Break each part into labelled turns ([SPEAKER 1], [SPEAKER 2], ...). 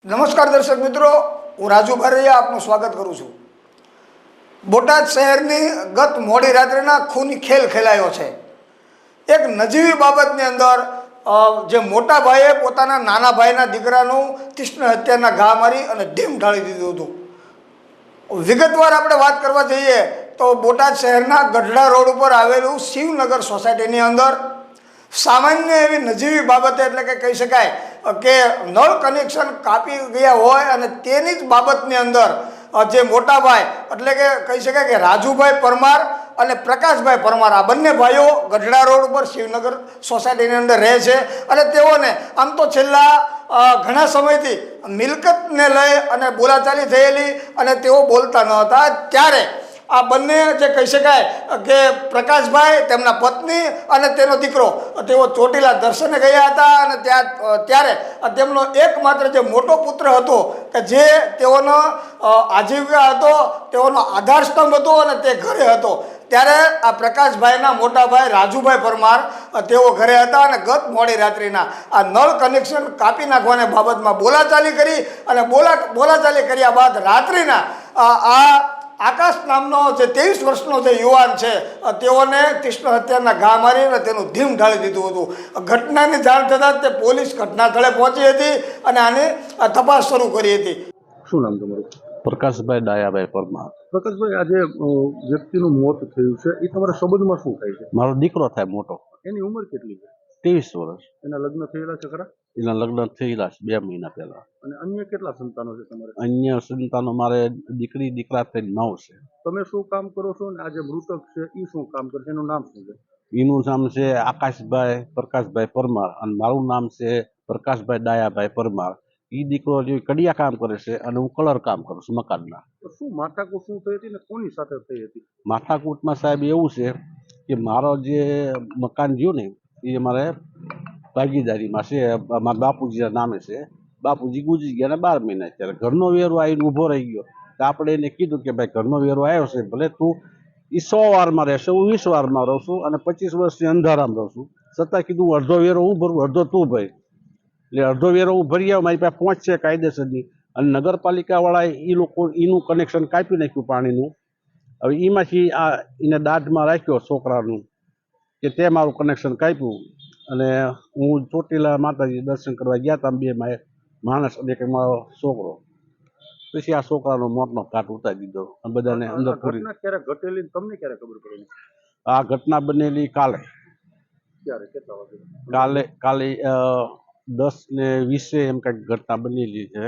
[SPEAKER 1] નમસ્કાર દર્શક મિત્રો, હું રાજુ બારૈયા આપનું સ્વાગત કરું છું। બોટાદ શહેરની ગત મોડી રાત્રિના ખૂની ખેલ ખેલાયો છે। એક નજીવી બાબતની અંદર જે મોટા ભાઈએ પોતાના નાના ભાઈના દીકરાનું તીક્ષ્ણ હત્યાના ઘા મારી અને ઢીમ ઢાળી દીધું હતું। વિગતવાર આપણે વાત કરવા જઈએ તો બોટાદ શહેરના ગઢડા રોડ ઉપર આવેલું શિવનગર સોસાયટીની અંદર સામાન્ય એવી નજીવી બાબતે એટલે કે કહી શકાય કે નળ કનેક્શન કાપી ગયા હોય અને તેની જ બાબતની અંદર જે મોટા ભાઈ એટલે કે કહી શકાય કે રાજુભાઈ પરમાર અને પ્રકાશભાઈ પરમાર આ બંને ભાઈઓ ગઢડા રોડ ઉપર શિવનગર સોસાયટીની અંદર રહે છે અને તેઓને આમ તો છેલ્લા ઘણા સમયથી મિલકતને લઈ અને બોલાચાલી થયેલી અને તેઓ બોલતા ન હતા। ત્યારે આ બંને જે કહી શકાય કે પ્રકાશભાઈ, તેમના પત્ની અને તેનો દીકરો તેઓ ચોટીલા દર્શને ગયા હતા અને ત્યારે તેમનો એકમાત્ર જે મોટો પુત્ર હતો કે જે તેઓનો આજીવિકા હતો, તેઓનો આધાર સ્તંભ હતો અને તે ઘરે હતો, ત્યારે આ પ્રકાશભાઈના મોટા ભાઈ રાજુભાઈ પરમાર તેઓ ઘરે હતા અને ગત મોડી રાત્રિના આ નળ કનેક્શન કાપી નાખવાની બાબતમાં બોલાચાલી કરી અને બોલાચાલી કર્યા બાદ રાત્રિના આ આકાશ નામનો જે 23 વર્ષનો જે યુવાન છે તેઓને તીક્ષ્ણ હત્યાના ઘા મારી અને તેનું ઢીમ ઢાળી દીધું હતું। ઘટનાની જાણ થતાં તે પોલીસ ઘટના સ્થળે પહોંચી હતી અને આની તપાસ શરૂ કરી હતી।
[SPEAKER 2] શું નામ તમારું?
[SPEAKER 3] પ્રકાશભાઈ ડાયાભાઈ પરમાર।
[SPEAKER 2] પ્રકાશભાઈ, આજે વ્યક્તિનું મોત થયું છે, એ તમારા સંબંધમાં શું થાય છે?
[SPEAKER 3] મારો દીકરો થાય મોટો,
[SPEAKER 2] એની ઉંમર કેટલી છે?
[SPEAKER 3] 23 વર્ષ।
[SPEAKER 2] એના લગ્ન થયેલા છે ખરા?
[SPEAKER 3] એના લગ્ન થયેલા છે 2 મહિના પહેલા।
[SPEAKER 2] અને અન્ય કેટલા સંતાનો છે તમારે?
[SPEAKER 3] અન્ય સંતાનો મારે દીકરી દીકરા થઈ 9 છે।
[SPEAKER 2] તમે શું કામ કરો છો અને આ જે મૃતક છે એ શું કામ કરે છે? એનું નામ શું છે?
[SPEAKER 3] એનું નામ છે આકાશભાઈ પ્રકાશભાઈ પરમાર અને મારું નામ છે પ્રકાશભાઈ ડાયાભાઈ પરમાર। એ દીકરો જે કડિયા કામ કરે છે અને હું કલર કામ કરું છું મકાનના।
[SPEAKER 2] તો શું માથાકૂટ શું થઈ હતી ને કોની સાથે થઈ હતી?
[SPEAKER 3] માથાકૂટમાં સાહેબ એવું છે કે મારો જે મકાન જ્યું ને એ મારે ભાગીદારીમાં છે, મારા બાપુજીના નામે છે। બાપુજી ગુજરી ગયા ને 12 મહિના, ત્યારે ઘરનો વેરો આવીને ઊભો રહી ગયો તો આપણે એને કીધું કે ભાઈ ઘરનો વેરો આવ્યો છે, ભલે તું એ 100 વારમાં રહેશે, હું 20 વારમાં રહું છું અને 25 વર્ષથી અંધારામાં રહું છું, છતાં કીધું અડધો વેરો હું ભરું, અડધો તું ભરી। એટલે અડધો વેરો હું ભરી આવ્યો, મારી પાસે પહોંચશે કાયદેસરની અને નગરપાલિકાવાળાએ એ લોકો એનું કનેક્શન કાપી નાખ્યું પાણીનું। હવે એમાંથી આ એને દાઢમાં રાખ્યો છોકરાનું કે તે મારું કનેક્શન કાપ્યું અને હું ચોટીલા માતાજી દર્શન કરવા ગયા હતા, 2 માણસ અને એક મારો છોકરો, પછી આ છોકરાનો મોતનો ઘાટ ઉતારી દીધો અને બધાને અંદર પૂરી।
[SPEAKER 2] ક્યારે ઘટેલી તમને ક્યારે ખબર પડી?
[SPEAKER 3] આ ઘટના બનેલી કાલે।
[SPEAKER 2] ક્યારે, કેટલા વાગે?
[SPEAKER 3] કાલે 10:20 એમ કંઈક ઘટના બનેલી છે।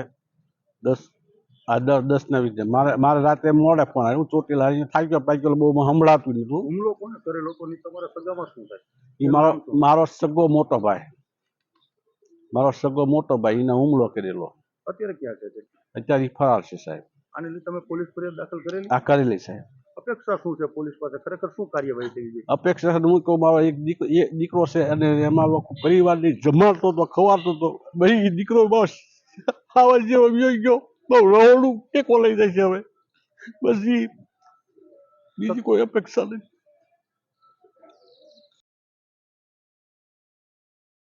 [SPEAKER 3] 10:20 મારે રાતે મોડે ફોન આવ્યો, હું ચોટીલા થાક્યો પાક્યો બહુ સંભળાતું નતું।
[SPEAKER 2] હુમલો કોને કરેલો કોની તમારા સગામાં શું થાય?
[SPEAKER 3] એ મારો સગો મોટો ભાઈ એને હુમલો કરેલો।
[SPEAKER 2] અત્યારે ક્યાં છે?
[SPEAKER 3] અત્યારે ફરાર છે સાહેબ।
[SPEAKER 2] આને લીધે તમે પોલીસ ફરિયાદ દાખલ કરેલી?
[SPEAKER 3] આ કરેલી સાહેબ।
[SPEAKER 2] અપેક્ષા શું છે પોલીસ પાસે? ખરેખર શું કાર્યવાહી થઈ છે?
[SPEAKER 3] અપેક્ષા હું કહું, મારો એક દીકરો છે અને એમાં પરિવારની જમાડતો હતો, ખવાડતો હતો, ભાઈ દીકરો બસ આવા જેવો વ્યો ગયો, બહુ રહોડું ટેકો લઈ જાય છે હવે, બસ બીજી કોઈ અપેક્ષા નથી।